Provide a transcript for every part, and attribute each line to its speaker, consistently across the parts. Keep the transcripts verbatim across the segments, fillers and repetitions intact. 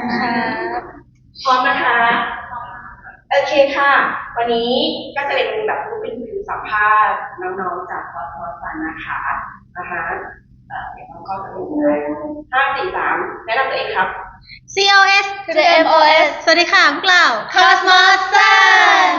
Speaker 1: พร้อมนะคะโอเคค่ะวันนี้ก็จะเป็นแบบรูปเป็นวิวสัมภาษณ์น้องๆจากคอร์สคอร์สกันนะคะนะคะเอ่อเดี๋ยวน้องก็จะดูได้ห้าสี่สามแนะนำตัวเองครับ
Speaker 2: ซี โอ เอส
Speaker 3: to the เอ็ม โอ เอส
Speaker 2: สวัสดีค่ะพวกเรา
Speaker 3: Cosmos Sun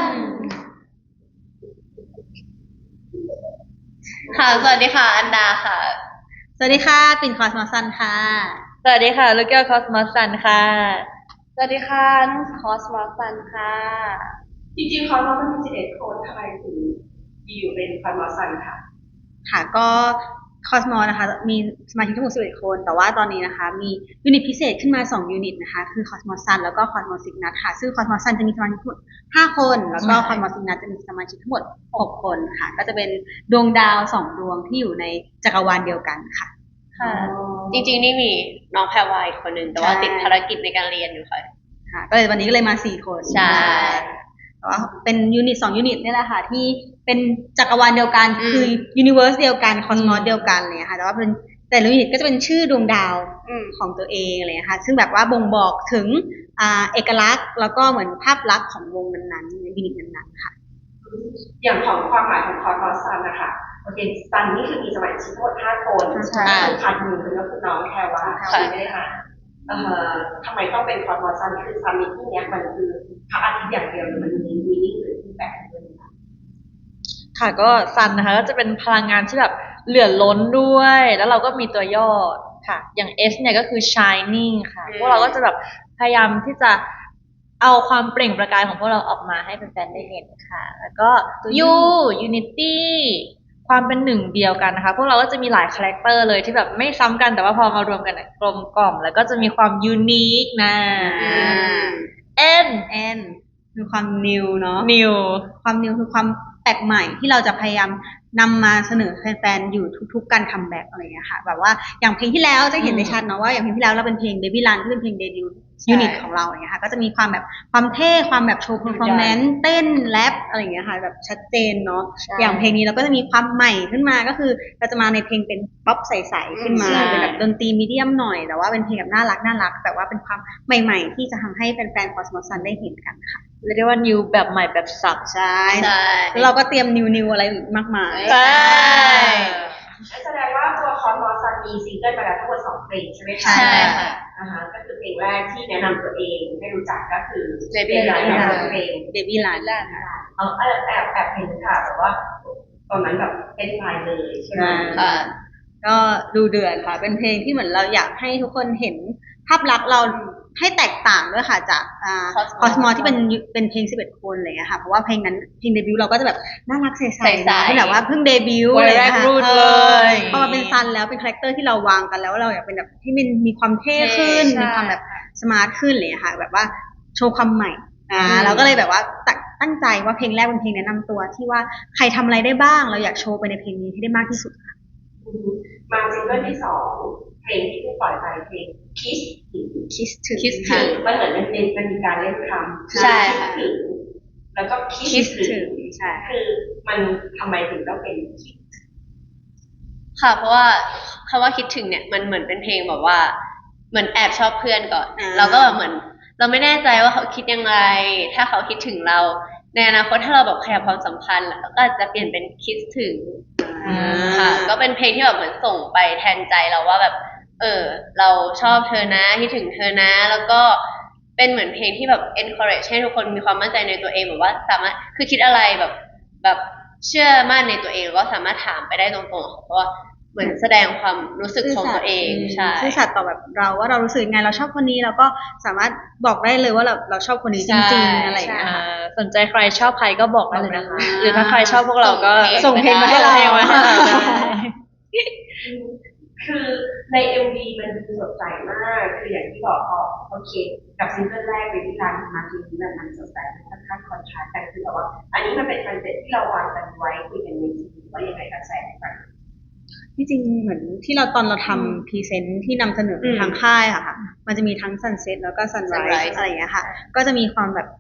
Speaker 3: ค่ะสวัสดีค่ะอันดาค่ะ
Speaker 2: สวัสดีค่ะปิ่นคอสมอสันค่ะ
Speaker 3: สวัสดีค่ะลูกแก้ว Cosmos Sun ค่ะสวัสดีค่ะนุ่น Cosmos Sun ค่ะ
Speaker 1: จริงๆคอร์สเราเป็นสิบเอ็ดคนทำไมถึงอยู่เป็นคอร์สมอสันค่ะ
Speaker 2: ค่ะก็คอสมอนะคะมีสมาชิกทั้งหมดสิบเอ็ดคนแต่ว่าตอนนี้นะคะมียูนิตพิเศษขึ้นมาสองยูนิตนะคะคือคอสมอสันแล้วก็คอสมอสิกนัทค่ะซึ่งคอสมอสันจะมีสมาชิกทั้งหมดห้าคนแล้วก็คอสมอสิกนัทจะมีสมาชิกทั้งหมดหกคนค่ะก็จะเป็นดวงดาวสองดวงที่อยู่ในจักรวาลเดียวกันค่ะ
Speaker 3: ค่ะจริงๆนี่มีน้องแพรวายคนหนึ่งแต่ว่าติดภารกิจในการเรียนอยู่ค่ะ
Speaker 2: ค่ะก็เลยวันนี้ก็เลยมาสี่คน
Speaker 3: ใช่
Speaker 2: แต่ว่าเป็นยูนิตสองยูนิตนี่แหละค่ะที่เป็นจักรวาลเดียวกันคือยูนิเวอร์สเดียวกันคอสมอสเดียวกันเลยค่ะแต่ว่าเป็นแต่ละยูนิตก็จะเป็นชื่อดวงดาวของตัวเองอะไรเลยค่ะซึ่งแบบว่าบ่งบอกถึงอ่าเอกลักษณ์แล้วก็เหมือนภาพลักษณ์ของวงนั้นๆในยูนิตนั้นๆค่ะ
Speaker 1: อย่างของความหมายของคอร์สคอร์สซันนะคะโอเคซันนี่คือมีสมาชิกทั้งหมดห้าคน
Speaker 3: ใช่
Speaker 1: คัดหนึ่งก็คือน้องแคร์ว่าแคร์ไม่ได้มาเอ่อทำไมต้องเป็นคอร์สคอร์สซันคือซันนี่ที่เนี้ยมันคือพระอาทิตย์อย่างเดียวหรือมันมีมีนิ่งหรือที่แบบด้วยคะ
Speaker 3: ค่ะก็ซันนะคะก็จะเป็นพลังงานที่แบบเหลือล้นด้วยแล้วเราก็มีตัวย่อค่ะอย่าง S เนี่ยก็คือ shining ค่ะพวกเราก็จะแบบพยายามที่จะเอาความเปล่งประกายของพวกเราออกมาให้แฟนๆได้เห็นค่ะแล้วก็ U unity ความเป็นหนึ่งเดียวกันนะคะพวกเราก็จะมีหลายคาแรคเตอร์เลยที่แบบไม่ซ้ำกันแต่ว่าพอมารวมกันกลมกล่อมแล้วก็จะมีความยูนิคนะ N
Speaker 2: N คือความ new เนาะ
Speaker 3: new
Speaker 2: ความ new คือความแปลกใหม่ที่เราจะพยายามนำมาเสนอแฟนๆอยู่ทุกๆการคัมแบ็กอะไรอย่างเงี้ยค่ะแบบว่าอย่างเพลงที่แล้วจะเห็นได้ชัดเนาะว่าอย่างเพลงที่แล้วเราเป็นเพลง Baby Run ที่เป็นเพลงเดบิวต์ยูนิตของเราอย่างเงี้ยค่ะก็จะมีความแบบความเท่ความแบบโชว์เพอร์ฟอร์แมนซ์เต้นแรปอะไรอย่างเงี้ยค่ะแบบชัดเจนเนาะอย่างเพลงนี้เราก็จะมีความใหม่ขึ้นมาก็คือเราจะมาในเพลงเป็นป๊อปใสๆขึ้นมาเป็นแบบดนตรีมีเดียมหน่อยแต่ว่าเป็นเพลงแบบน่ารักน่ารักแต่ว่าเป็นความใหม่ๆที่จะทำให้แฟนๆ Cosmos Sun ได้เห็นกันค่ะ
Speaker 3: เรียกได้ว่า new แบบใหม่แบบสับ
Speaker 2: ใช่แล้วเราก็เตรียมนิวนิวอะไรอีกมากมาย
Speaker 3: ใช่
Speaker 1: แสดงว่าตัวคอร์สมอสันมีซิงเกิลมาแล้วทั้งหมดสองเพลงใช่ไหมคะ
Speaker 3: ใช่ค่ะ
Speaker 1: นะคะก็คือเพลงแรกที่แนะนำตัวเองให้รู้จักก็คือ
Speaker 3: Baby
Speaker 1: Run กับเพลง
Speaker 2: Baby Run
Speaker 1: เอาแอบแอบแอบเห็นค่ะแต่ว่าตอนนั้นแบบเป็นไฟเลยใช่ไหม
Speaker 2: ค่ะก็ดูเดือดค่ะเป็นเพลงที่เหมือนเราอยากให้ทุกคนเห็นภาพลักษณ์เราให้แตกต่างด้วยค่ะจากอ่าคอสมอที่เป็นเป็นเพลงสิบเอ็ดคนอะไรเงี้ยค่ะเพราะว่าเพลงนั้นเพลงเดบิวต์เราก็จะแบบน่ารักใสๆที่แบบว่าเพิ่งเดบิวต์อะไร
Speaker 3: ค่ะ
Speaker 2: พอมาเป็นซันแล้วเป็นคาแรคเตอร์ที่เราวางกันแล้วเราอยากเป็นแบบที่มันมีความเท่ขึ้นมีความแบบสมาร์ทขึ้นเลยค่ะแบบว่าโชว์ความใหม่อ่าเราก็เลยแบบว่าตั้งใจว่าเพลงแรกเป็นเพลงแนะนำตัวที่ว่าใครทำอะไรได้บ้างเราอยากโชว์ไปในเพลงนี้ให้ได้มากที่สุดค่ะ
Speaker 1: มาซิงเกิลที่สองเพลงที่ปล่อยไปเพลง Kiss
Speaker 2: Kiss ถึง
Speaker 1: Kiss ถึงมันเหมือนมันเป็นมันมีการเล่นคำ
Speaker 3: ใช่ค่ะ
Speaker 1: แล้วก็
Speaker 2: Kiss ถึงใช่
Speaker 1: คือมันทำไมถึงต้องเป็น Kiss
Speaker 3: ค่ะเพราะว่าคำว่าคิดถึงเนี่ยมันเหมือนเป็นเพลงแบบว่าเหมือนแอบชอบเพื่อนก่อนเราก็แบบเหมือนเราไม่แน่ใจว่าเขาคิดยังไงถ้าเขาคิดถึงเราในอนาคตถ้าเราแบบขยับความสัมพันธ์ก็อาจจะเปลี่ยนเป็นคิดถึงค่ะก็เป็นเพลงที่แบบเหมือนส่งไปแทนใจเราว่าแบบเออเราชอบเธอนะคิดถึงเธอนะแล้วก็เป็นเหมือนเพลงที่แบบ encourage ให้ทุกคนมีความมั่นใจในตัวเองแบบว่าสามารถคือคิดอะไรแบบแบบเชื่อมั่นในตัวเองแล้วก็สามารถถามไปได้ตรงๆเพราะว่าเหมือนแสดงความรู้สึกของตัวเองใช่
Speaker 2: ซื่อสัตย์ต่อแบบเราว่าเรารู้สึกยังไงเราชอบคนนี้เราก็สามารถบอกได้เลยว่าเราเราชอบคนนี้จริงๆอะไรอย่างเงี้ย
Speaker 3: สนใจใครชอบใครก็บอกได้เลยนะคะหรือถ้าใครชอบพวกเราก็
Speaker 2: ส่งเพลงมาให้เรา
Speaker 1: คือใน เอ็ม วี มันดูสดใสมากคืออย่างที่บอกพอโอเคกับซิงเกิลแรกเป็นที่ร้านมาทีนี้มันสดใสค่อนข้างคอนทราสต์กันคือแบบว่าอันนี้มันเป็นคอนเซ็ปต์ที่เราวางกันไว้คุยกันในทีว่ายังไงกันแสดงกัน
Speaker 2: ที่จริงเหมือนที่เราตอนเราทำพรีเซนต์ที่นำเสนอทางค่ายอะค่ะมันจะมีทั้งซันเซ็ตแล้วก็ซันไรส์อะไรอย่างเงี้ยค่ะก็จะมีความแบบ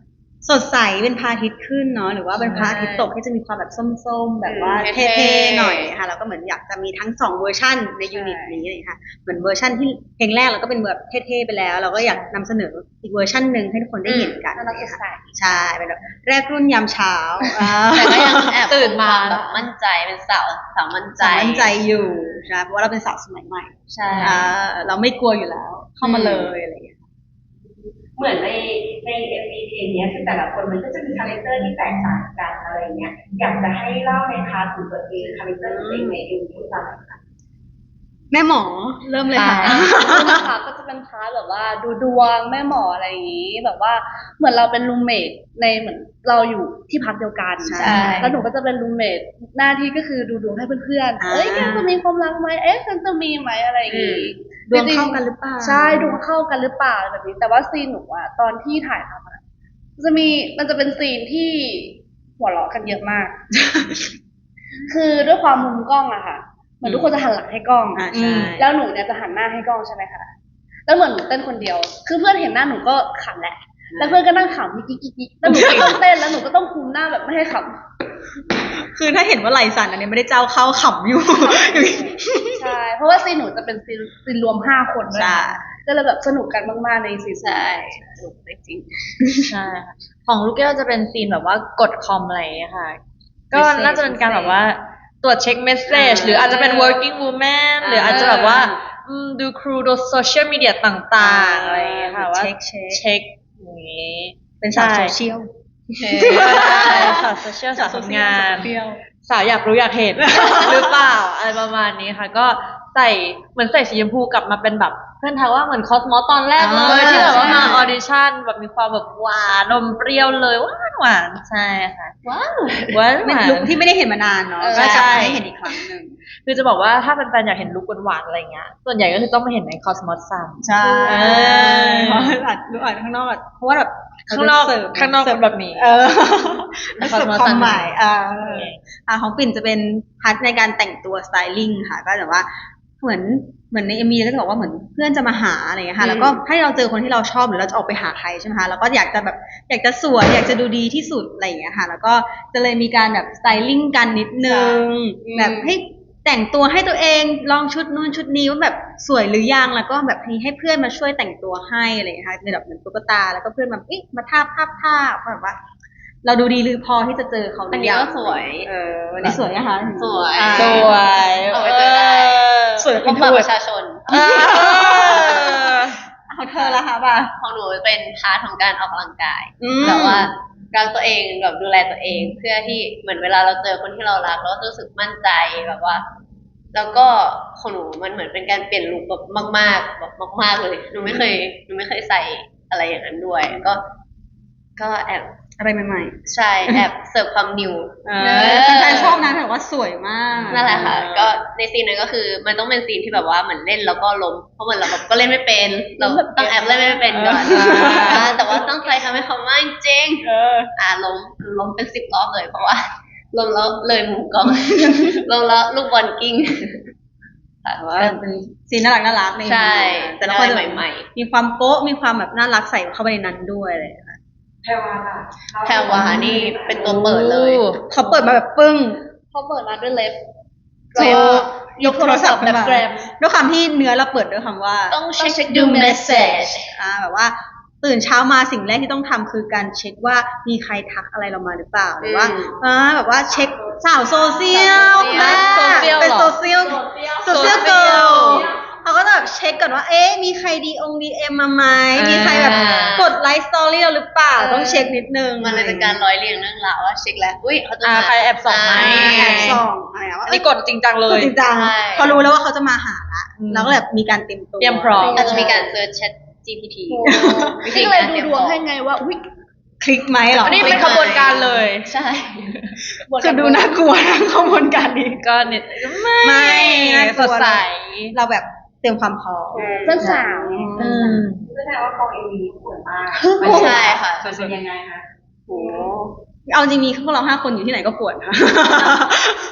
Speaker 2: สดใสเป็นพระอาทิตย์ขึ้นเนาะหรือว่าเป็นพระอาทิตย์ตกที่จะมีความแบบส้มๆแบบว่า
Speaker 3: อืม
Speaker 2: เท่ๆหน่อยค่ะแล้วก็เหมือนอยากจะมีทั้งสองเวอร์ชันในยูนิตนี้เลยค่ะเหมือนเวอร์ชันที่เพลงแรกเราก็เป็นแบบเท่ๆไปแล้ว เราก็อยากนำเสนออีกเวอร์ชันหนึ่งให้ทุกคนได้เห็นกัน
Speaker 3: น่ารักสดใส
Speaker 2: ใช่เป็นแบบแรกรุ่นยามเช้าอ่า
Speaker 3: แต่ก็ยังแอบ
Speaker 4: ตื่นมา
Speaker 3: คแบบมั่นใจเป็นสาวสาวมั่นใจ
Speaker 2: สาวมั่นใจอยู่ใช่เพราะว่าเราเป็นสาวสมัยใหม่
Speaker 3: ใช่
Speaker 2: อ่าเราไม่กลัวอยู่แล้ว เข้ามาเลยอะไรอย่างเงี้ย
Speaker 1: เหมือนในในเอ็มวีเพลงเนี้ยคือแต่ละคนมันก็จะมีคาแรคเตอร์ที่แตกต่างกันอะไรเงี้ยอยากจะให้เล่าในพาร์ทของตัวเองคาแรคเตอร์ตัวเองในเอ็มวีให้ฟังหน่อยค่ะ
Speaker 2: แม่หมอเริ่มเลยค่ะ
Speaker 5: นะคะก็จะเป็นพาร์ทแบบว่าดูดวงแม่หมออะไรอย่างนี้ แบบว่าเหมือนเราเป็นรูมเมทในเหมือนเราอยู่ที่พักเดียวกัน
Speaker 2: ใช่
Speaker 5: แล้วหนูก็จะเป็นรูมเมทหน้าที่ก็คือดูดวงให้เพื่อน
Speaker 2: อ่า
Speaker 5: ๆเอ้ยแกจะมีความรักไหมเอ๊ะฉันจะมีไหมอะไรอย่างนี้
Speaker 2: ดวงเข้ากันหรือเปล่า
Speaker 5: ใช่ดวงเข้ากันหรือเปล่าแบบนี้ แต่ว่าซีนหนูอะตอนที่ถ่ายทำอะจะมีมันจะเป็นซีนที่หัวเราะกันเยอะมาก คือด้วยความมุมกล้องอะค่ะเหมือนทุกคนจะหันหลังให้กล้อง
Speaker 2: อ่าใช่
Speaker 5: แล้วหนูเนี่ยจะหันหน้าให้กล้องใช่ไหมคะ แล้วเหมือนหนูเต้นคนเดียว คือเพื่อนเห็นหน้าหนูก็ขำแหละ แล้วเพื่อนก็นั่งขำกิ๊กกิ๊กกิ๊กแล้วหนูก็ต้องเต้นแล้วหนูก็ต้องคุมหน้าแบบไม่ให้ข
Speaker 2: คือถ้าเห็นว่าไหลสั่นอันนี้ไม่ได้เจ้าเข้าขำอยู่
Speaker 5: ำ ใช่ เพราะว่าซีนหนูจะเป็นซีนซีนรวมห้าคนด้วย
Speaker 2: ใช่
Speaker 5: ก็เลยแบบสนุกกันมากๆในซีน
Speaker 3: ใช่สนุกจริง
Speaker 4: ใช่ค่ะของลูกแก้วจะเป็นซีนแบบว่ากดคอมอะไรอย่างเงี้ยค่ะ ก็
Speaker 2: Message
Speaker 4: น่าจะเป็นการแบบว่าตรวจเช็คเมสเซจ
Speaker 2: อ่า
Speaker 4: หรืออาจจะเป็น working woman หรืออาจจะแบบว่าอืมดูครูดูโซเชียลมีเดียต่างๆอะไรอย่างเงี้ยค่ะว่า
Speaker 2: เช็คเช็ค
Speaker 4: เช็คอย่างงี้
Speaker 2: เป็นสาวโซเชียล
Speaker 4: ใช่สาวโซเชียลสาวทำงาน สาวอยากรู้อยากเห็น หรือเปล่าอะไรประมาณนี้ค่ะ ก็ใส่เหมือนใส่สีชมพูกลับมาเป็นแบบเพื่อนทักว่าเหมือนคอสมอสตอนแรกเล
Speaker 2: อ่าย
Speaker 4: ที่แบบว่า
Speaker 2: ใช่
Speaker 4: มาออดิชั่นแบบมีความแบบหวานนมเปรี้ยวเลยหวานหวานใช่ค่ะ
Speaker 3: ว้าว
Speaker 4: หวานห
Speaker 2: เป็น
Speaker 4: วาน
Speaker 2: ลุคที่ไม่ได้เห็นมานานเนาะ
Speaker 4: เออ
Speaker 2: ก็จะ
Speaker 4: ใช่
Speaker 2: ให้เห็นอีกครั้งหนึ่ง
Speaker 4: คือจะบอกว่าถ้าเป็นแฟนๆอยากเห็นลุคหวานๆอะไรเงี้ยส่วนใหญ่ก็คือต้องมาเห็นในคอสมอสซัม
Speaker 2: ใช่
Speaker 4: เออ
Speaker 2: เพราะอาจดูอ่านข้างนอกอ่ะเพราะว่าแบบ
Speaker 4: ข้างนอก
Speaker 2: เสิร์ฟ
Speaker 4: ข้างนอกเป็นแบบนี้
Speaker 2: เออ
Speaker 4: แต่
Speaker 2: เสิร์ฟ
Speaker 4: Cosmos
Speaker 2: ความหมายอ่า
Speaker 4: โอเค
Speaker 2: อ่าของปิ่นจะเป็นพาร์ทในการแต่งตัวสไตลิ่งค่ะ ก็แบบว่าเหมือนเหมือนในเอ็มวีก็จะบอกว่าเหมือนเพื่อนจะมาหาอะไรอย่างเงี้ยค่ะ แล้วก็ให้เราเจอคนที่เราชอบหรือเราจะออกไปหาใครใช่ไหมคะแล้วก็อยากจะแบบอยากจะสวยอยากจะดูดีที่สุดอะไรอย่างเงี้ยค่ะ แล้วก็จะเลยมีการแบบสไตลิ่งกันนิดนึงแบบให้แต่งตัวให้ตัวเองลองชุดนู้นชุดนี้ว่าแบบสวยหรือยังแล้วก็แบบให้ให้เพื่อนมาช่วยแต่งตัวให้อะไรอย่างเงี้ยค่ะในแบบเหมือนตุ๊กตาแล้วก็เพื่อนมาเอ๊ะมาทาบทาบทาบแบบว่า เราดูดีหรือพอที่จะเจอเขาหรือยัง
Speaker 3: อันนี้ก็สวย
Speaker 2: เออวันนี้สวยนะคะ
Speaker 3: สวย
Speaker 2: อ่า
Speaker 4: สวย
Speaker 3: เอาไปเจอได้
Speaker 2: สวย
Speaker 3: พ
Speaker 2: เป็
Speaker 3: บ
Speaker 2: น
Speaker 3: ปะ
Speaker 2: ทู
Speaker 3: ป
Speaker 2: ต
Speaker 3: ระชาชน
Speaker 4: เออ
Speaker 2: เอาเธอละค่ะป่ะ
Speaker 3: ของหนูเป็นพาร์ทของการออกกำลังกาย
Speaker 2: อืม
Speaker 3: แบบว่ารักตัวเองแบบดูแลตัวเอง เพื่อที่เหมือนเวลาเราเจอคนที่เรารักเราก็รู้สึกมั่นใจแบบว่า แล้วก็ของหนูมันเหมือนเป็นการเปลี่ยนลุคแบบมากๆแบบมากๆเลยหนูไม่เคยหนูไม่เคยใส่อะไรอย่างนั้นด้วย ก็ ก็แอบ
Speaker 2: อะไรใหม่
Speaker 3: ใช่แอบเสิร์ฟความนิว
Speaker 2: ๆเออแฟนๆชอบนะแต่ว่าสวยมาก
Speaker 3: นั่นแหละค่ะ ก็ในซีนนั้นก็คือมันต้องเป็นซีนที่แบบว่าเหมือนเล่นแล้วก็ล้มเพราะเหมือนเราแบบก็เล่นไม่เป็นเราต้องแอบเล่นไม่เป็นก่อน
Speaker 2: เอออ่
Speaker 3: าแต่ว่าตั้งใจทำให้เขามากจริง
Speaker 2: เออ
Speaker 3: อ่าล้มล้มเป็นสิบรอบเลยเพราะว่าล้มแล้วเลยหมุนกล้อง ล้มแล้วลูกบอลกิ้งค่ะ
Speaker 2: แต่ว่าเป็นซีนน่ารักน่ารักใน
Speaker 3: ใช่
Speaker 2: แต่ละคน
Speaker 3: อะไรใหม่
Speaker 2: มีความโก๊ะมีความแบบน่ารักใส่เข้าไปในนั้นด้วยอะไรอย่างเลยค่ะ
Speaker 1: แพรวาล่ะ
Speaker 3: แพรวานี่เป็นตัวเปิดเลย
Speaker 2: เขาเปิดมาแบบปึ้ง
Speaker 5: เขาเปิดมาด้วยเล็บ
Speaker 2: โชว์ยกโทรศัพท์
Speaker 5: แบบ
Speaker 2: ขึ้นมา
Speaker 5: แกรม
Speaker 2: ด้วยความที่เนื้อเราเปิดด้วยคำว่า
Speaker 3: ต้องเช็ค
Speaker 5: เช็ค
Speaker 3: ดู
Speaker 5: ดู
Speaker 3: เมสเซจ
Speaker 5: message
Speaker 2: อ่าแบบว่าตื่นเช้ามาสิ่งแรกที่ต้องทำคือการเช็คว่ามีใครทักอะไรเรามาหรือเปล่าหรือว่า
Speaker 3: อืม
Speaker 2: อ่าแบบว่าเช็คสาวโซเชียล
Speaker 3: สาวโซเชียล
Speaker 2: แม่เป็น
Speaker 4: เหรอ
Speaker 2: โซเชียลโซเชียลเกิร์ลเขาก็จะแบบเช็คก่อนว่าเอ๊ะมีใครดีองดีเอ็มมาไหมมีใครแบบกดไลค์สตอรี่เราหรือเปล่าต้องเช็คนิดนึง
Speaker 3: มันเลยเป็นการร้อยเรียงเรื่องราวว่าเช็คแล้วอุ้ยเขาจะ
Speaker 4: อ่า
Speaker 3: มา
Speaker 4: ใครแอบส่องไหม
Speaker 2: อ่า
Speaker 3: อ่า
Speaker 2: แอบส่องอะไรอะว่า
Speaker 4: อัน
Speaker 2: เอ้
Speaker 4: นี้
Speaker 2: ย
Speaker 4: กดจริงจังเล
Speaker 2: กด
Speaker 4: ย
Speaker 2: จริงจัง
Speaker 3: ใช่
Speaker 2: พอรู้แล้วว่าเขาจะมาหาละ
Speaker 4: อืม
Speaker 2: เราก็แบบมีการเตรียมตัว
Speaker 4: เตรียมพร้อม
Speaker 3: อาจจะมีการเซิร์ชแชท จี พี ที วิธี
Speaker 5: ที่เล
Speaker 3: กาย ร
Speaker 5: ดู
Speaker 3: เตรียม
Speaker 5: ด
Speaker 3: ข
Speaker 5: วง
Speaker 3: อง
Speaker 5: ให้ไงว่าอุ้ย
Speaker 2: คลิกไหมเหรอ
Speaker 4: อันนี้เป็นขบวนการเลย
Speaker 3: ใช่
Speaker 2: คือดูน่ากลัวนะขบวนการนี้
Speaker 4: ก็เนี่ยไม่
Speaker 2: ไม่น่าก
Speaker 4: ส
Speaker 2: ลั
Speaker 4: ด
Speaker 2: ว
Speaker 4: ใส
Speaker 2: เราแบบเตรียมความพร้อม
Speaker 5: เพื่อนสาว
Speaker 4: อืม
Speaker 1: แสดงว่ากองเอ็มวีสวยมาก
Speaker 3: ใช่ค่ะ
Speaker 1: มันเป็นยังไงคะ
Speaker 2: โอ้เอาจริงมีพวกเราห้าคนอยู่ที่ไหนก็ปวดนะ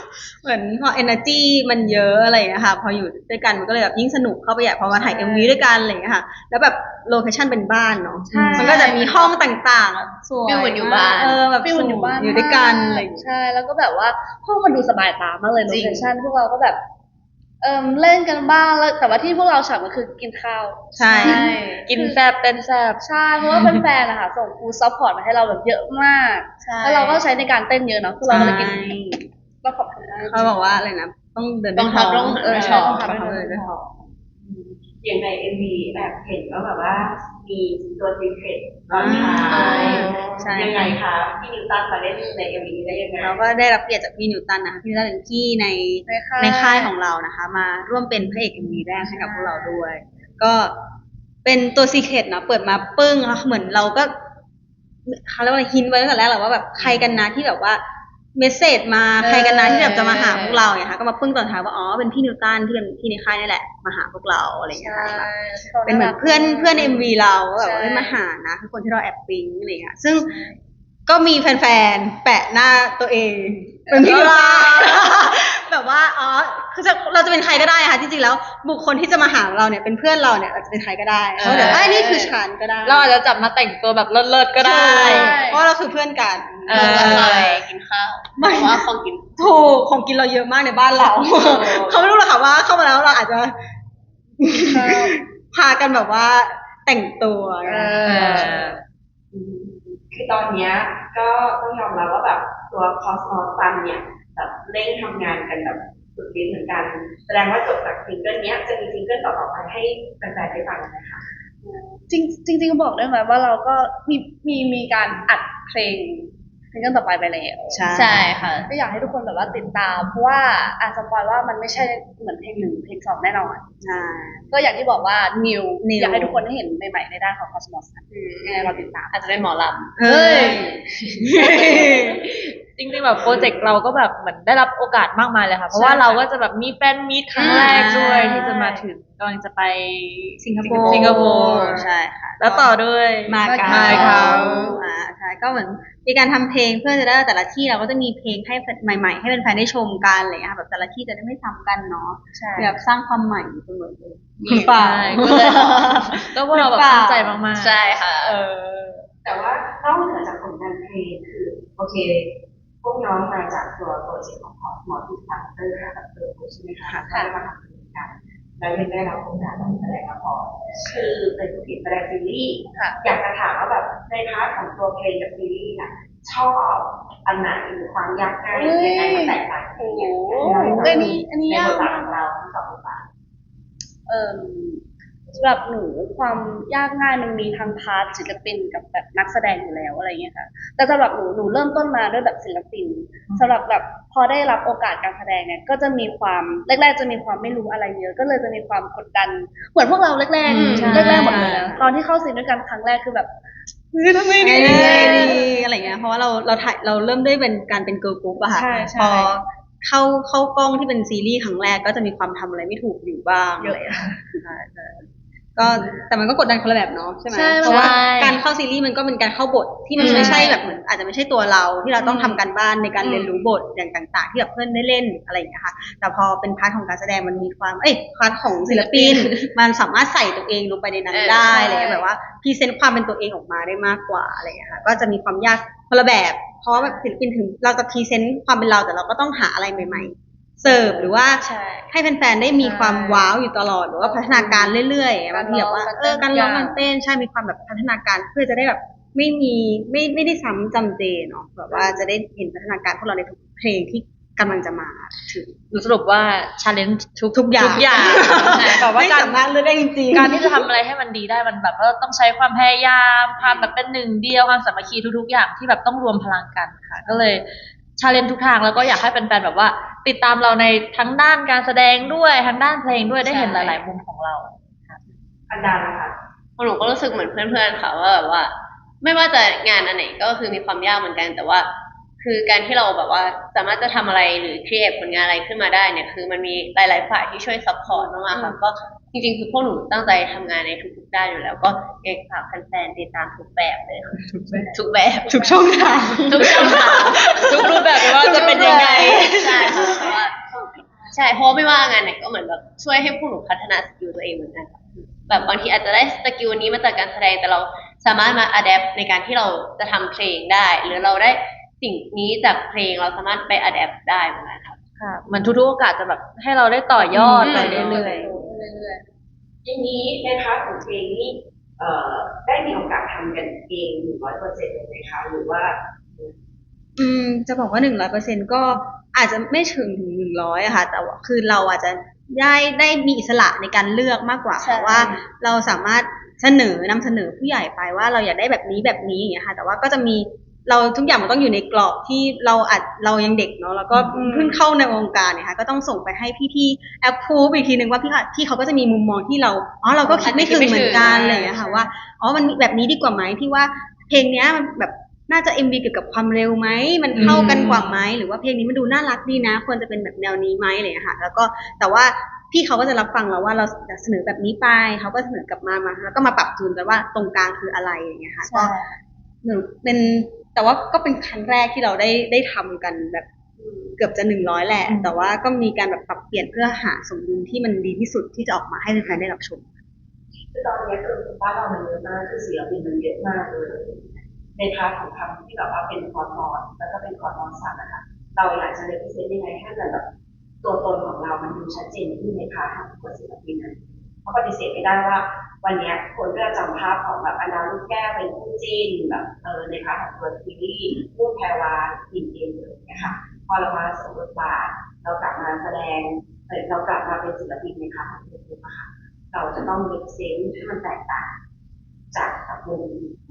Speaker 2: เหมือนพอ energy มันเยอะอะไรอย่างเงี้ยค่ะพออยู่ด้วยกันมันก็เลยแบบยิ่งสนุกเข้าไปใหญ่พอมาถ่าย
Speaker 5: ใช่
Speaker 2: เอ็ม วี ด้วยกันอะไรอย่างเงี้ยค่ะแล้วแบบโลเคชั่นเป็นบ้านเนาะ
Speaker 5: ใช่
Speaker 2: มันก็จะมีห้องต่างๆอะสวย
Speaker 3: ฟีลเหมือนอยู่บ้าน
Speaker 2: เออแบบ
Speaker 5: ฟีลเหมือนอยู่บ้าน
Speaker 2: อยู่ด้วยกันอะไรอย่างเงี้ย
Speaker 5: ใช่แล้วก็แบบว่าห้องมันดูสบายตามากเลยโล
Speaker 3: จริง
Speaker 5: เคชั่นพวกเราก็แบบเอิมเล่นกันบ้างแล้วแต่ว่าที่พวกเราฉากมันคือกินข้าว
Speaker 2: ใช่
Speaker 4: กินแซบเต้นแซบ
Speaker 5: ใช่เพราะว่าแฟนๆนะคะส่งฟูลซัพพอร์ตมาให้เราแบบเยอะมาก
Speaker 3: ใช่
Speaker 5: แล้วเราก็ใช้ในการเต้นเยอะเนาะพวกเราก็เลยกิน
Speaker 2: ใช่
Speaker 5: ก็ขอบคุณมาก
Speaker 2: เขาบอกว่าอะไรนะต้องเดิน
Speaker 3: ต้อง
Speaker 2: ด้วยท้
Speaker 3: ทำต้อง
Speaker 5: เออ
Speaker 3: เออ
Speaker 5: ใช่
Speaker 3: ชอบ
Speaker 5: ต้อง
Speaker 2: ต้
Speaker 5: ทำ
Speaker 2: อง
Speaker 5: ด้วย
Speaker 2: ทำเดินด้วยท้อง
Speaker 1: อย่างในเอ็มวีแบบเห็นว่าแบบว่ามีตัวซีเครตตอนท้าย
Speaker 2: ใช่
Speaker 1: ยังไงคะพี่นิวตันมาเล่นในเอ็มวีได้ยังไง
Speaker 2: เราก็ได้รับเกียรติจากพี่นิวตันนะคะพี่นิวตันเป็นพี่ใน
Speaker 5: ในค่าย
Speaker 2: ในค่ายของเรานะคะ มาร่วมเป็นพระเอกเอ็มวีแรกให้กับพวกเราด้วย ก็เป็นตัวซีเครตเนาะเปิดมาปึ้งแล้วเหมือนเราก็เขาเรียกว่าอะไรฮินไว้ตั้งแต่แรกแหละว่าแบบใครกันนะที่แบบว่าเมสเซจมาใครกันนะที่แบบจะมาหาพวกเราเนี่ยค่ะก็มาปึ้งตอนท้ายว่าอ๋อเป็นพี่นิวตันที่เป็นพี่ในค่ายนี่แหละมาหาพวกเราอะไรอย่างเงี้ย
Speaker 5: ใช่
Speaker 2: ค่ะแบบเป็นเหมือนเพื่อนเพื่อนเอ็มวีเราก็แบบว่า
Speaker 5: ใช่
Speaker 2: เอ้ยมาหานะคือคนที่เราแอบปิ๊งอะไรอย่างเงี้ยซึ่งก็มีแฟนๆแปะหน้าตัวเองเป็นพี่นิวตัน แบบว่าอ๋อคือจะเราจะเป็นใครก็ได้ค่ะจริงๆแล้วบุคคลที่จะมาหาเราเนี่ยเป็นเพื่อนเราเนี่ยอาจจะเป็นใครก็ได้เขาเดี๋ยวไอ้ยนี่คือฉันก็ได้
Speaker 4: เราอาจจะจับมาแต่งตัวแบบเลิศๆก็ได้
Speaker 2: ใช่เพราะเราคือเพื่อนกัน
Speaker 4: เอ
Speaker 3: เรา
Speaker 4: อ
Speaker 3: จะไปกินข้าว
Speaker 2: ไม่
Speaker 3: เพราะว่าของกิน
Speaker 2: ถูกของกินเราเยอะมากในบ้านเรา เขาไม่รู้หรอกค่ะว่าเข้ามาแล้วเราอาจจะ พากันแบบว่าแต่งตัว
Speaker 5: เอ
Speaker 4: เอ
Speaker 5: อ
Speaker 4: อ
Speaker 1: คือตอนเนี้ยก็ต้องยอมรับว่าแบบตัวคอสมอสซันเนี่ยแบบเร่งทำงานกันแบบสุดฤทธิ์เหมือนกัน แสดงว่าจบจากซิงเกิลเนี้ยจะมีซิงเกิลต่อๆไปให้แฟนๆได้ฟังไหมคะ
Speaker 5: จริงจริงๆบอกได้ไหมว่าเราก็มีมีมีการอัดเพลงเพลงกันต่อไปไปแล้ว
Speaker 2: ใช่
Speaker 3: ใช่ค่ะ
Speaker 5: ก็อยากให้ทุกคนแบบว่าติดตามเพราะว่าอาจจะปอยว่ามันไม่ใช่เหมือนเพลงหนึ่งเพลงสองแน่นอน
Speaker 2: ใช่
Speaker 5: ก็อย่างที่บอกว่านิว
Speaker 2: New
Speaker 5: อยากให้ทุกคนได้เห็นใหม่ๆในด้านของ Cosmos ยังไงเราติดตาม
Speaker 3: อาจจะเป็นหมอล
Speaker 2: เฮ้ย
Speaker 4: จริงๆแบบโปรเจกต์เราก็แบบเหมือนได้รับโอกาสมากมายเลยค่ะ เพราะว่าเราก็จะแบบมีแฟนมีตครั้งแรกด้วย
Speaker 2: ใช่
Speaker 4: ที่จะมาถึงกำลังจะไป
Speaker 2: สิงคโปร์
Speaker 4: สิงคโปร์
Speaker 2: ใช่ค่ะ
Speaker 4: แล้วต่อด้วย
Speaker 2: มาเก๊า
Speaker 4: มาเก๊า
Speaker 2: อ่าใช่ก็เหมือนมีการทำเพลงเพื่อจะได้แต่ละที่เราก็จะมีเพลงให้ใหม่ๆ ให้แฟนๆได้ชมกันอะไรอย่างเงี้ยค่ะแบบแต่ละที่จะได้ไม่ซ้ำกันเนาะ
Speaker 5: ใช่
Speaker 2: แบบสร้างความใหม่อยู่เสมอเลย
Speaker 3: ำ
Speaker 2: หรือเปล่า
Speaker 4: ใช่ก็เลยก็พวกเราแบบตั้งใจมากๆ
Speaker 3: ใช่ค่ะ
Speaker 4: เออ
Speaker 1: แต่ว่านอกเหนือจากผลงานเพลงคือโอเค พวกน้องมาจากตัวโปรเจกต์ของคอสมอสที่สตาร์เตอร์กับเตอร์ใช่ไหมคะก็ได้มาทำเพลงกันแล้วยังได้รับโอกาสมาแสดงละครคือเป็นผู้ผิดแสดงซีรีส์
Speaker 5: ค่ะ
Speaker 1: อยากจะถามว่าแบบในพาร์ทของตัวเพลงกับซีรีส์น่ะชอบอันไหนหรือความยากง่ายยังไงมันแตกต่างกันยังไง
Speaker 5: โอ้โหอันนี้อันนี้
Speaker 1: ใน
Speaker 5: ยาก
Speaker 1: บทบาท
Speaker 5: มาก
Speaker 1: ของเราทั้งสองบทบาท
Speaker 5: เอ่มสำหรับหนูความยากง่ายมันมีทั้งพาร์ทศิลปินกับแบบนักแสดงอยู่แล้วอะไรเงี้ยค่ะ แต่สำหรับหนูหนูเริ่มต้นมาด้วยแบบศิลปินสำหรับแบบพอได้รับโอกาสการแสดงเนี่ยก็จะมีความแรกๆจะมีความไม่รู้อะไรเยอะ ก็เลยจะมีความกดดัน เหมือนพวกเราแรก
Speaker 2: อืมใช่
Speaker 5: ๆแรกๆหมดเลยนะตอนที่เข้าซีนด้วยกันครั้งแรกคือแบบ
Speaker 2: ทำไมดีอะไรอย่างเงี้ยเพราะว่าเราเราถ่ายเราเริ่มด้วยเป็นการเป็นเกิร์ลกรุ๊ปอะค่ะ
Speaker 5: ใช่ใช่
Speaker 2: พอเข้าเข้ากล้องที่เป็นซีรีส์ครั้งแรกก็จะมีความทำอะไรไม่ถูกอยู่บ้าง
Speaker 5: เยอะ
Speaker 2: ใช่ใช่ก็แต่มันก็กดดันคนละแบบเนาะใช่ไหม
Speaker 5: ใช่
Speaker 2: เพราะว่า
Speaker 4: ใช่
Speaker 2: การเข้าซีรีส์มันก็เป็นการเข้าบทที่มันไม่ใช่แบบเหมือนอาจจะไม่ใช่ตัวเราที่เราต้องทำการบ้านในการเรียนรู้บทอย่างต่าง ๆ ที่แบบเพื่อนได้เล่นอะไรอย่างเงี้ยค่ะแต่พอเป็นพาร์ทของการแสดงมันมีความเอ้ยพาร์ทของศิลปิน มันสามารถใส่ตัวเองลงไปในนั้น
Speaker 3: เออ
Speaker 2: ได้
Speaker 5: ใช่
Speaker 2: อะไรเงี้ยแบบว่าพรีเซนต์ความเป็นตัวเองออกมาได้มากกว่าอะไรเงี้ยค่ะก็จะมีความยากคนละแบบ เพราะว่าแบบศิลปินถึงเราจะพรีเซนต์ความเป็นเราแต่เราก็ต้องหาอะไรใหม่ๆเสิร์ฟหรือว่า
Speaker 5: ใช่
Speaker 2: ให้แฟนๆได้มีความว้าวอยู่ตลอดหรือว่าพัฒนาการเรื่อยๆบางทีแบบว่าเออการร้องการเต้นใช่มีความแบบพัฒนาการเพื่อจะได้แบบไม่มีไม่ไม่ได้ซ้ำจำเจเนาะแบบว่าจะได้เห็นพัฒนาการพวกเราในทุกเพลงที่กำลังจะมาถึง
Speaker 4: สรุปว่า challenge ทุก
Speaker 2: ทุกอย่าง
Speaker 4: ทุกอย่างใช่แบบว่า
Speaker 2: ไม่
Speaker 4: การ
Speaker 2: สามารถเลือกได้จริงๆ
Speaker 4: การที่จะทำอะไรให้มันดีได้มันแบบว่าต้องใช้ความพยายามความแบบเป็นหนึ่งเดียวความสามัคคีทุกๆอย่างที่แบบต้องรวมพลังกันค่ะ ก็เลยชาเลนทุกทางแล้วก็อยากให้แฟนๆแบบว่า ติดตามเราในทั้งด้านการแสดงด้วยทั้งด้านเพลงด้วยได้เห็นหลาย ๆ มุมของเรา
Speaker 1: อันดานะคะ
Speaker 3: หนูก็รู้สึกเหมือนเพื่อนๆค่ะว่าแบบว่า ไม่ว่าจะงานอันไหนก็คือมีความยากเหมือนกัน แต่ว่า คือการที่เราแบบว่าสามารถจะทำอะไรหรือครีเอทผลงานอะไรขึ้นมาได้เนี่ยคือมันมีหลายๆฝ่ายที่ช่วยซัพพอร์ตมากๆค่ะก็จริงๆคือพวกหนูตั้งใจทำงานในทุกๆด้านอยู่แล้ว ก็อยากฝากแฟนๆติดตามทุกแบบเลยค่ะทุกแบบ
Speaker 2: ทุกช่องทาง
Speaker 3: ทุกช่องทาง
Speaker 4: ทุกรูปแบบไม่ว่าจะเป็นยังไง
Speaker 3: ใช่ค่ะเพราะว่าใช่เพราะว่าไม่ว่างานไหนก็เหมือนแบบช่วยให้พวกหนูพัฒนาสกิลตัวเองเหมือนกันค่ะแบบบางทีอาจจะได้สกิลนี้มาจากการแสดงแต่เราสามารถมาอัดแอปในการที่เราจะทำเพลงได้ หรือเราได้สิ่งนี้จากเพลงเราสามารถไปอัดแอปได้เหมือนกันค่ะ
Speaker 4: ค่ะเหมันทุกๆโอกาสจะแบบให้เราได้ต่อยอดไปเรื่อย
Speaker 5: เรื่อย
Speaker 1: อย่างนี้ในพาร์ทของเพลงนี่เอ่อได้มีโอกาสทำกันเองหนึ่งร้อยเปอร์เซ็นต์เลยไหมคะหรือว่า
Speaker 2: อืมจะบอกว่าหนึ่งร้อยเปอร์เซ็นก็อาจจะไม่ถึงถึงหนึ่งร้อยอะค่ะแต่ว่าคือเราอาจจะได้ได้มีอิสระในการเลือกมากกว่า
Speaker 3: ใช่
Speaker 2: ว่าเราสามารถเสนอนำเสนอผู้ใหญ่ไปว่าเราอยากได้แบบนี้แบบนี้อย่างเงี้ยค่ะแต่ว่าก็จะมีเราทุกอย่างมันต้องอยู่ในกรอบที่เราอาจเรายังเด็กเนาะแล้วก็เพิ่งเข้าในวงการเนี่ยค่ะก็ต้องส่งไปให้พี่ๆแอปพูฟอีกทีนึงว่าพี่ค่ะพี่เขาก็จะมีมุมมองที่เราอ๋อเราก็คิดไม่ถึงเหมือนกันอะไรอย่างเงี้ยค่ะว่าอ๋อมันแบบนี้ดีกว่าไหมพี่ว่าเพลงเนี้ยมันแบบน่าจะ เอ็ม วี เกี่ยวกับความเร็วไหมมันเข้ากันกว่าไหมหรือว่าเพลงนี้มันดูน่ารักดีนะควรจะเป็นแบบแนวนี้ไหมอะไรอย่างเงี้ยค่ะแล้วก็แต่ว่าพี่เขาก็จะรับฟังเราว่าเราจะเสนอแบบนี้ไปเขาก็เสนอกลับมามาแล้วก็มาปรับจูนกันว่าตรงกลางคืออะไรอย่างเงี้ยค่ะก็หนึ่งเป็นแต่ว่าก็เป็นครั้งแรกที่เราได้ได้ทำกันแบบเกือบจะหนึ่งร้อยแหละ แต่ว่าก็มีการแบบปรับเปลี่ยนเพื่อหาสมดุลที่มันดีที่สุดที่จะออกมาให้แฟนๆได้รับชม
Speaker 1: คือตอนนี้คือบ้านเรามันเยอะมากคือศิลปินมันเยอะมากเลยในพาร์ทของคำที่แบบว่าเป็นคอร์ดมอนแล้วก็เป็นคอร์ดมอนสัตว์นะคะเราอยากจะเลพิเศษยังไงให้มันแบบตัวตนของเรามันดูชัดเจนขึ้นในพาร์ทของตัวศิลปินนั้นเพราะปฏิเสธไม่ได้ว่าวันนี้คนก็จะจำภาพของแบบอนาลูกแก้วเป็นคู่จิ้นแบบเออในพาร์ทของตัวซีรีส์คู่แพรวาอินเอ็นเลยนะคะพอเรามาสมบทบาทเรากลับมาแสดงเรากลับมาเป็นศิลปินในพาร์ทของตัวนะคะเราจะต้องมีเซนส์ที่มันแตกต่างจากกับวงอื่น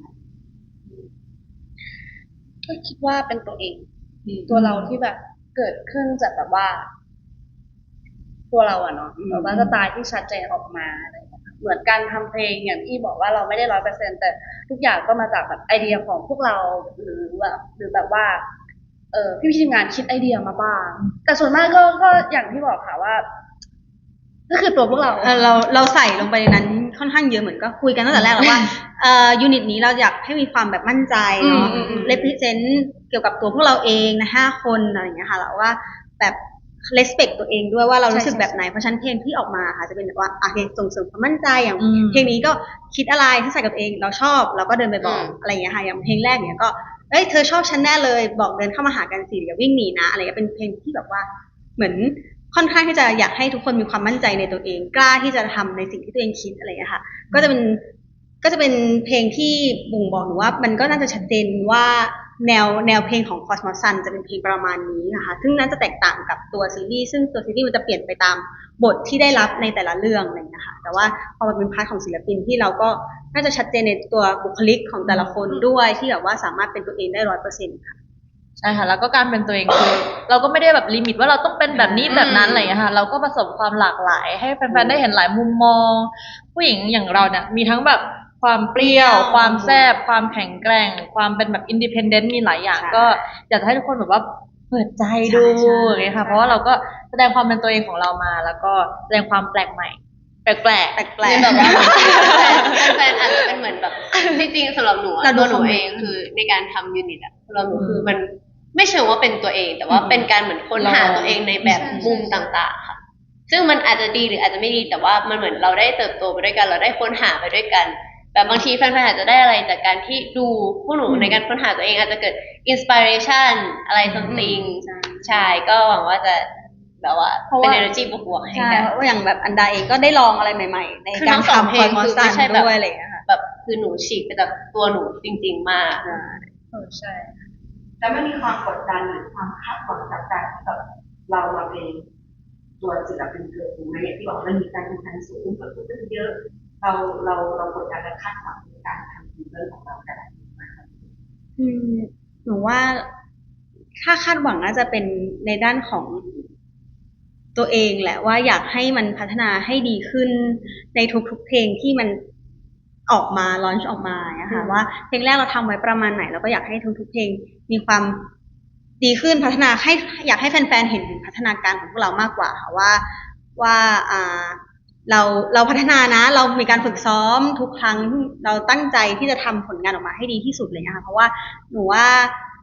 Speaker 5: ก็คิดว่าเป็นตัวเอง ตัวเราที่แบบเกิดขึ้นจากแบบว่า ตัวเราอะเนาะแบบว่าสไตล์ที่ชัดเจนออกมาอะไรอย่างเงี้ยเหมือนการทำเพลงอย่างที่บอกว่าเราไม่ได้ร้อยเปอร์เซ็นต์แต่ทุกอย่างก็มาจากแบบไอเดียของพวกเราหรือแบบหรือแบบว่า เออพี่พี่ทีมงานคิดไอเดียมาบ้างแต่ส่วนมากก็ก็อย่างที่บอกค่ะว่า ก็คือตัวพวกเรา
Speaker 2: เออเราเราใส่ลงไปในนั้นค่อนข้างเยอะเหมือนก็คุยกันตั้งแต่แรกแล้วว่าเอ่อยูนิตนี้เราอยากให้มีความแบบมั่นใจเนาะ
Speaker 5: อืมอืมอืม
Speaker 2: เลพิเซนต์เกี่ยวกับตัวพวกเราเองนะห้าคนอะไรอย่างเงี้ยค่ะแล้วว่าแบบ respect ตัวเองด้วยว่าเรารู้สึกแบบไหนเพราะฉะนั้นเพลงที่ออกมาค่ะจะเป็นแบบว่าโอเคส่งเสริมความมั่นใจอย่าง
Speaker 4: อืม
Speaker 2: เพลงนี้ก็คิดอะไรที่ใส่กับตัวเองเราชอบเราก็เดินไปบอก
Speaker 3: อืม
Speaker 2: อะไรอย่างเงี้ยค่ะอย่างเพลงแรกเนี่ยก็เอ้ยเธอชอบฉันแน่เลยบอกเดินเข้ามาหากันสิอย่าวิ่งหนีนะอะไรเงี้ยเป็นเพลงที่แบบว่าเหมือนค่อนข้างที่จะอยากให้ทุกคนมีความมั่นใจในตัวเองกล้าที่จะทำในสิ่งที่ตัวเองคิดอะไรอย่างเงี้ยค่ะก็จะเป็นก็จะเป็นเพลงที่บ่งบอกหนูว่ามันก็น่าจะชัดเจนว่าแนวแนวเพลงของ Cosmos Sun จะเป็นเพลงประมาณนี้นะคะซึ่งน่าจะแตกต่างกับตัวซีรีส์ซึ่งตัวซีรีส์มันจะเปลี่ยนไปตามบทที่ได้รับในแต่ละเรื่องอะไรอย่างเงี้ยค่ะแต่ว่าพอมันเป็นพาร์ทของศิลปินที่เราก็น่าจะชัดเจนในตัวบุคลิกของแต่ละคนด้วยที่แบบว่าสามารถเป็นตัวเองได้ร้อยเปอร์เซ็นต์ค่ะ
Speaker 4: ใช่ค่ะแล้วก็การเป็นตัวเองคือเราก็ไม่ได้แบบลิมิตว่าเราต้องเป็นแบบนี้แบบนั้นอะไรอย่างเงี้ยค่ะเราก็ผสมความหลากหลายให้แฟนๆได้เห็นหลายมุมมอง ผู้หญิงอย่างเราเนี่ยมีทั้งแบบความเปรี้ยว ความแซ่บความแข็งแกร่ง ความเป็นแบบอินดิเพนเดนต์มีหลายอย่าง
Speaker 2: ใช่
Speaker 4: ก็อยากจะให้ทุกคนแบบว่าเปิดใจดู
Speaker 2: ใช่ใช่
Speaker 4: อย่างเงี้ยค่ะเพราะว่าเราก็แสดงความเป็นตัวเองของเรามา แล้วก็แสดงความแปลกใหม่ แปลก
Speaker 2: แปล
Speaker 4: ๆ
Speaker 2: ก
Speaker 3: คือแบบว่าแฟนๆอาจจะเป็นเหมือนแบบจริงๆสำหรับหนูอะ
Speaker 2: เราดู
Speaker 3: ตัวหนู
Speaker 2: คอมเม
Speaker 3: เอน
Speaker 2: ต์
Speaker 3: งคือในการทำยูนิตอะสำหรับหนูคือมันไม่เชิงว่าเป็นตัวเอง แต่ว่าเป็นการเหมือนค้นหาตัวเองในแบบมุมต่างๆค่ะ ซึ่งมันอาจจะดีหรืออาจจะไม่ดีแต่ว่ามันเหมือนเราได้เติบโตไปด้วยกัน เราได้ค้นหาไปด้วยกันแบบบางทีแฟนๆอาจจะได้อะไรจากการที่ดูพวกหนูในการค้นหาตัวเองอาจจะเกิดอินสปิเรชันอะไร something
Speaker 2: ใช่
Speaker 3: ใช่ก็หวังว่าจะแบบว่า
Speaker 2: เพราะ
Speaker 3: เป็น
Speaker 2: ว่า
Speaker 3: energy บวกๆให้
Speaker 2: ใช่
Speaker 3: กัน
Speaker 2: เพราะว่าอย่างแบบอันดาเองก็ได้ลองอะไรใหม่ๆ ใน
Speaker 3: คือ
Speaker 2: การ
Speaker 3: ทั้งสอง
Speaker 2: ทำ
Speaker 3: เพ
Speaker 2: ค
Speaker 3: ล
Speaker 2: อง น
Speaker 3: คือ
Speaker 2: ซั
Speaker 3: ไม่
Speaker 2: น
Speaker 3: ใช่แบบ
Speaker 2: ด้วยอะไรอย่างเงี้ยค่ะ
Speaker 3: แบบคือหนูฉีกไปจากตัวหนูจริง ๆ มาก
Speaker 2: ใช่
Speaker 5: เออใช่
Speaker 1: แล้วไม่มีความกดดันหรือความคาดหวังจากการที่แบบเรามาเป็นตัวศิลปินเกิดถูกไหมอย่างที่บอกมันมีการแข่งขันสูงกว่าคนอื่นเยอะ เราเราเรากดดันและคาดหวังในการทำซิงเกิลของเราแต่ละเพลงมาก
Speaker 2: อืมหนูว่าถ้าคาดหวังน่าจะเป็นในด้านของตัวเองแหละว่าอยากให้มันพัฒนาให้ดีขึ้นในทุกๆเพลงที่มันออกมาลอนช์ออกมานะคะว่าเพลงแรกเราทำไว้ประมาณไหนเราก็อยากให้ทุกๆเพลงมีความดีขึ้นพัฒนาให้อยากให้แฟนๆเห็นถึงพัฒนาการของพวกเรามากกว่าค่ะว่าว่าอ่าเราเราพัฒนานะเรามีการฝึกซ้อมทุกครั้งเราตั้งใจที่จะทำผลงานออกมาให้ดีที่สุดเลยนะคะเพราะว่าหนูว่า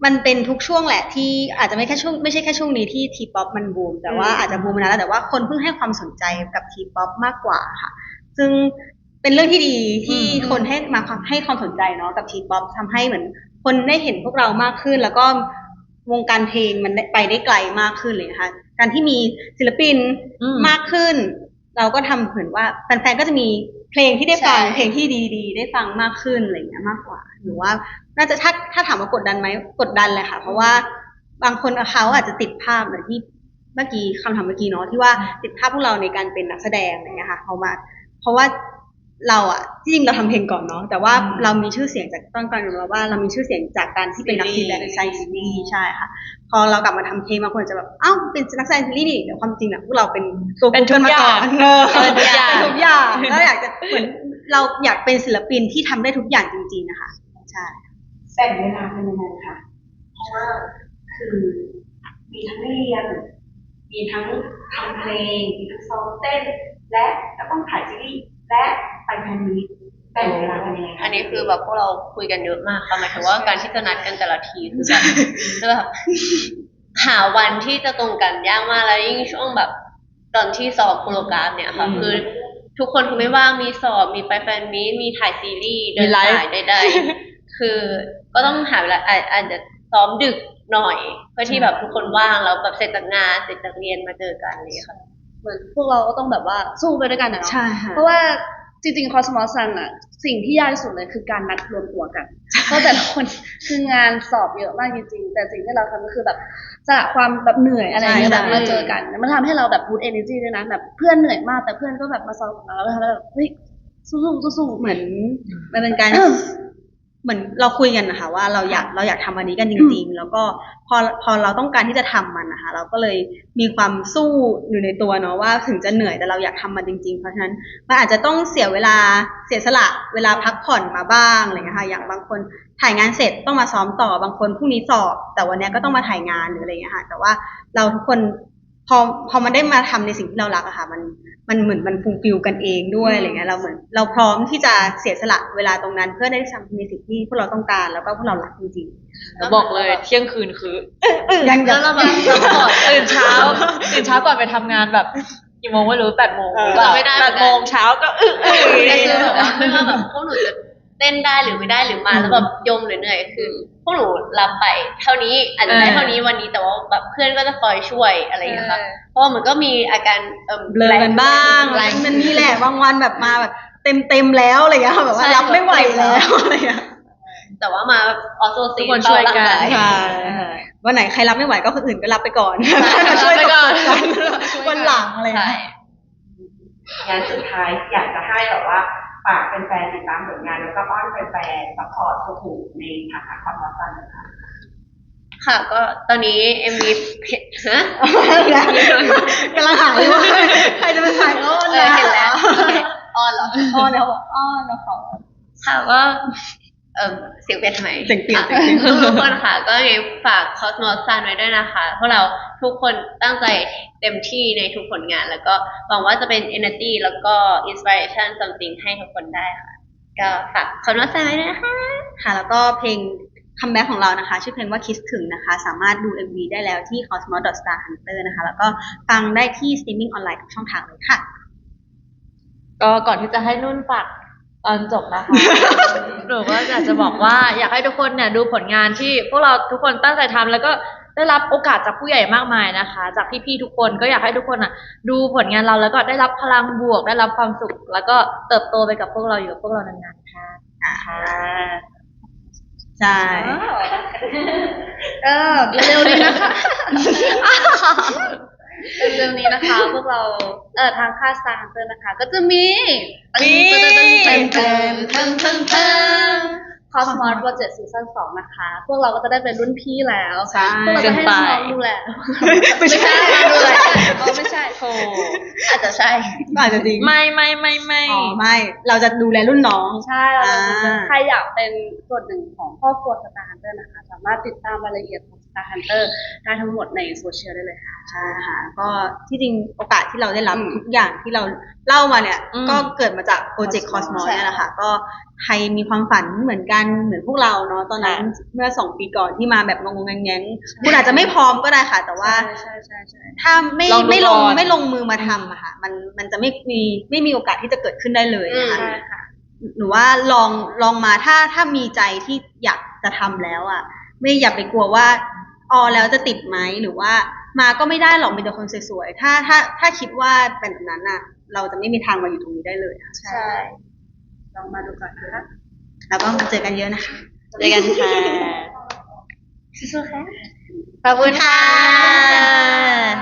Speaker 2: มันเป็นทุกช่วงแหละที่อาจจะไม่แค่ช่วงไม่ใช่แค่ช่วงนี้ที่ทีป๊อปมันบูมแต่ว่าอาจจะบูมมานานแล้วแต่ว่าคนเพิ่งให้ความสนใจกับทีป๊อปมากกว่าค่ะ ซึ่งเป็นเรื่องที่ดีที่คนให้มาให้ความสนใจเนาะกับทีป๊อปทำให้เหมือนคนได้เห็นพวกเรามากขึ้น แล้วก็วงการเพลงมันไปได้ไกลมากขึ้นเลยนะคะการที่มีศิลปินมากขึ้น เราก็ทำเหมือนว่าแฟนๆก็จะมีเพลงที่ได้ฟังเพลงที่ดีๆได้ฟังมากขึ้นอะไรอย่างเงี้ยมากกว่าหรือว่าน่าจะถ้าถ้าถามว่ากดดันไหมกดดันเลยค่ะเพราะว่าบางคนเขาอาจจะติดภาพเหมือนที่เมื่อกี้คำถามเมื่อกี้เนาะที่ว่าติดภาพพวกเราในการเป็นนักแสดงอะไรเงี้ยค่ะเขามาเพราะว่าเราอะที่จริงเราทำเพลงก่อนเนาะแต่ว่าเรามีชื่อเสียงจากต้นก่อนอยู่แล้วว่าเรามีชื่อเสียงจากการที่เป็นนักแสดงใช่ซีรีส์ใช่ค่ะพอเรากลับมาทำเพลงบางคนจะแบบอ้าวเป็นนักแสดงซีรีส์นี่แต่ความจริงอะพวกเราเป็นตัว
Speaker 4: เป็นทุก
Speaker 2: มา
Speaker 4: อย่า
Speaker 2: ก่อง นเออ
Speaker 4: เป็นทุกอย่าง
Speaker 2: เป็นทุกอย่างก็อยากจะเหมือนเราอยากเป็นศิลปินที่ทำได้ทุกอย่างจริงๆนะคะใช่
Speaker 1: แบ่งเวลาเป็นยังไงคะเพราะว่าคือมีทั้งเรียนมีทั้งทำเพลงมีทั้งซ้อมเต้น และก็ต้องถ่ายซีรีส์และไปแฟนมีตแบ่งเวลาเป็นยังไงคะ
Speaker 3: อันนี้คือแบบพวกเราคุยกันเยอะมากค่ะหมายถึงว่าการที่จะนัดกันแต่ละทีคือแบบคือแบบหาวันที่จะตรงกันยากมากแล้วยิ่งช่วงแบบตอนที่สอบโปรแกรมเนี่ยค่ะคือทุกคนคือไม่ว่างมีสอบมีไปแฟนมีตมีถ่ายซีรีส์เดินสายใดๆคือก็ต้องหาเวลาอาจอาจจะซ้อมดึกหน่อยเพื่อที่แบบทุกคนว่างแล้วแบบเสร็จจากงานเสร็จจากเรียนมาเจอกันอะไรอย่างเลยค่ะ
Speaker 5: เหมือนพวกเราก็ต้องแบบว่าสู้ไปด้วยกันนะเนาะ
Speaker 2: ใช่ค่ะ
Speaker 5: เพราะว่าจริงๆ Cosmos Sun อะสิ่งที่ยากที่สุดเลยคือการนัดรวมตัวกัน เพราะแต่ละคนคืองานสอบเยอะมากจริงๆ แต่สิ่งที่เราทำก็คือแบบสละความแบบเหนื่อยอะไรอย่างเงี้ย
Speaker 2: ใช่
Speaker 5: แบบมาเจอกัน มันทำให้เราแบบ boost energy ด้วยนะแบบเพื่อนเหนื่อยมากแต่เพื่อนก็แบบมาซ้อมกับเราแล้วเราแบบเฮ้ยสู้ๆสู้ๆ
Speaker 2: เหมือนมันเป็นการ เหมือนเราคุยกันนะคะว่าเราอยากเราอยากทำอันนี้กันจริงๆ แล้วก็พอพอเราต้องการที่จะทำมันนะคะเราก็เลยมีความสู้อยู่ในตัวเนาะว่าถึงจะเหนื่อยแต่เราอยากทำมันจริงๆ เพราะฉะนั้นมันอาจจะต้องเสียเวลาเสียสละเวลาพักผ่อนมาบ้างอะไรเงี้ยค่ะอย่างบางคนถ่ายงานเสร็จต้องมาซ้อมต่อบางคนพรุ่งนี้สอบ แต่วันนี้ก็ต้องมาถ่ายงานหรืออะไรเงี้ยค่ะแต่ว่าเราทุกคนพอพอมันได้มาทำในสิ่งที่เรารักอะค่ะมันมันเหมือนมันฟูลฟิลกันเองด้วยอะไรเงี้ยเราเหมือนเราพร้อมที่จะเสียสละเวลาตรงนั้นเพื่อได้ทำในสิ่งที่พวกเราต้องการแล้วก็พวกเรารักจริง
Speaker 4: แล้วบอกเลยเที่ยงคืนคือ
Speaker 2: ๆยัง
Speaker 3: แล้วเราแบบซัพพอร์ต
Speaker 4: ตื่นเช้าตื่นเช้าก่อนไปทำงานแบบกี่โมงไม่รู้แปดโมง
Speaker 2: เออ
Speaker 4: แบบ
Speaker 3: ไม่ได้เหมื
Speaker 4: แป
Speaker 3: อนกัน
Speaker 4: ดโมงเช้าก็อึ้งอึ้ง
Speaker 3: แต่คือแบบว่าไม่ว่าแบบพวกหนูจะเต้นได้หรือไม่ได้หรือมาแล้วแบบยมหรือเหนื่อยคือพวกหนูรับไปเท่านี้อาจจะได้เท่านี้วันนี้แต่ว่าแบบเพื่อนก็จะคอยช่วยอะไรอย่างเงี้ยค่ะเพราะว่ามันก็มีอาการเอ่อ
Speaker 2: เบลอกันบ้าง
Speaker 3: แร
Speaker 2: อะไร
Speaker 3: ง
Speaker 2: มันนี่แหละบางวันแบบมาแบบเต็มเต็มๆแล้วอะไรเงี้ยค่ะแบบว่า
Speaker 3: ใช่
Speaker 2: รับไม่ไหวแล้วอะไรเงี้ย
Speaker 3: แต่ว่ามาออโซ
Speaker 4: ทุ
Speaker 3: ซี
Speaker 4: กคนช่วยกัน
Speaker 2: ใช่วันไหนใครรับไม่ไหวก็คนอื่นก็รับไปก่อน
Speaker 4: รับ
Speaker 2: ช่วย
Speaker 4: ไปก่อน
Speaker 2: วันหลังอะไร
Speaker 3: ใช่
Speaker 2: เงี้ย
Speaker 1: งานสุดท้ายอยากจะให้แบบว่าฝากแฟนๆติดตามผลงานแล้วก็อ้อนแฟนๆซัพพอร์ตตัวถูกในฐานะความรักกันนะคะ
Speaker 3: ค่ะก็ตอนนี้ เอ็ม วี ฮะ
Speaker 2: กำลังหาเลยว่าใครจะเป็นสายอ้อน
Speaker 3: เออเห็นแล้วโอเคอ้อนเหรอ
Speaker 2: อ้อนแล้วบอกอ้อนแล้วเขา
Speaker 3: ค่ะก็เอ่อเสียงเปลี่ยนทำไม
Speaker 2: เสียงเปลี่ยน
Speaker 3: ค่ะ
Speaker 2: เสียงเปลี่ยน
Speaker 3: ทุกคนค่ะก็ยังไงฝาก Cosmos Sun ไว้ด้วยนะคะพวกเราทุกคนตั้งใจเต็มที่ในทุกผลงาน แล้วก็หวังว่าจะเป็น energy แล้วก็ inspiration something ให้ทุกคนได้ค่ะ ก็ฝาก Cosmos Sun ไว้ด้วยนะคะ
Speaker 2: ค่ะแล้วก็เพลงคัมแบ็กของเรานะคะชื่อเพลงว่าคิดถึงนะคะสามารถดู เอ็ม วี ได้แล้วที่ cosmos dot star hunter นะคะแล้วก็ฟังได้ที่ streaming ออนไลน์ทุกช่องทางเลยค่ะ
Speaker 4: ก็ก่อนที่จะให้นุ่นฝากตอนจบนะคะ หนูก็อยากจะบอกว่าอยากให้ทุกคนเนี่ยดูผลงานที่พวกเราทุกคนตั้งใจทำแล้วก็ได้รับโอกาสจากผู้ใหญ่มากมายนะคะ จากพี่ๆทุกคนก็อยากให้ทุกคนอ่ะ ดูผลงานเราแล้วก็ได้รับพลังบวกได้รับความสุข แล้วก็เติบโตไปกับพวกเราอยู่กับพวกเรานานๆค่ะค่ะ
Speaker 2: ใช่
Speaker 5: เออเร็วๆนี้นะคะ เร็วๆนี้นะคะ พวกเราเอ่อทางค่าย Star Hunter นะคะ ก็จะมี
Speaker 4: มี
Speaker 5: เติมเติมเติมเติมเติมเติม Cosmos Project Season สองนะคะ พวกเราก็จะได้เป็นรุ่นพี่แล้ว
Speaker 2: ใช่
Speaker 5: พวกเราจะให้น้องๆดูแล
Speaker 2: ไม่ใช่
Speaker 5: ดูแลอ๋อไม่ใช่
Speaker 4: โธ่
Speaker 3: อาจจะใช่
Speaker 2: อาจจะจริง
Speaker 4: ไม่ไม่ไม่ไม่
Speaker 2: อ๋อไม่เราจะดูแลรุ่นน้อง
Speaker 5: ใช่เราจะดูแล
Speaker 2: อ่า
Speaker 5: ใครอยากเป็นส่วนหนึ่งของครอบครัว Star Hunter นะคะ สามารถติดตามรายละเอียดของ Star Hunter ได้ทั้งหมดในโซเชียลได้เลยค่ะ
Speaker 2: ใช่ค่ะก็ที่จริงโอกาสที่เราได้รับ
Speaker 5: อืม
Speaker 2: ทุกอย่างที่เราเล่ามาเนี่ย
Speaker 4: อืม
Speaker 2: ก็เกิดมาจากโปรเจกต์คอสมอ
Speaker 5: ใช่
Speaker 2: เนี่ยแหละค่ะก็ใครมีความฝันเหมือนกันเหมือนพวกเราเนาะตอนนั้นเมื่อสองปีก่อนที่มาแบบงงๆแงงๆคุณอาจจะไม่พร้อมก็ได้ค่ะ แต่ว่า
Speaker 5: ใช่ใช่ใช่
Speaker 2: ถ้าไม่
Speaker 4: ลองดู
Speaker 2: ไม่ลง
Speaker 4: ก่อน
Speaker 2: ไม่ลงมือมาทำอะค่ะ มันมันจะไม่มีไม่มีโอกาสที่จะเกิดขึ้นได้เลยนะคะ
Speaker 5: ใช่ค่ะ
Speaker 2: หนูว่าลองลองมาถ้าถ้ามีใจที่อยากจะทำแล้วอะไม่อย่าไปกลัวว่าออแล้วจะติดไหมหรือว่ามาก็ไม่ได้หรอกมีแต่คนสวยๆถ้าถ้าถ้าคิดว่าเป็นแบบนั้นอะเราจะไม่มีทางมาอยู่ตรงนี้ได้เลยค่ะ
Speaker 5: ใช่ลองมาดูก่อนนะคะ
Speaker 2: แล้วก็มาเจอกันเยอะนะคะ
Speaker 4: เจอกันค่ะ
Speaker 5: สู้ๆค่ะ
Speaker 4: ขอบคุณค่ะ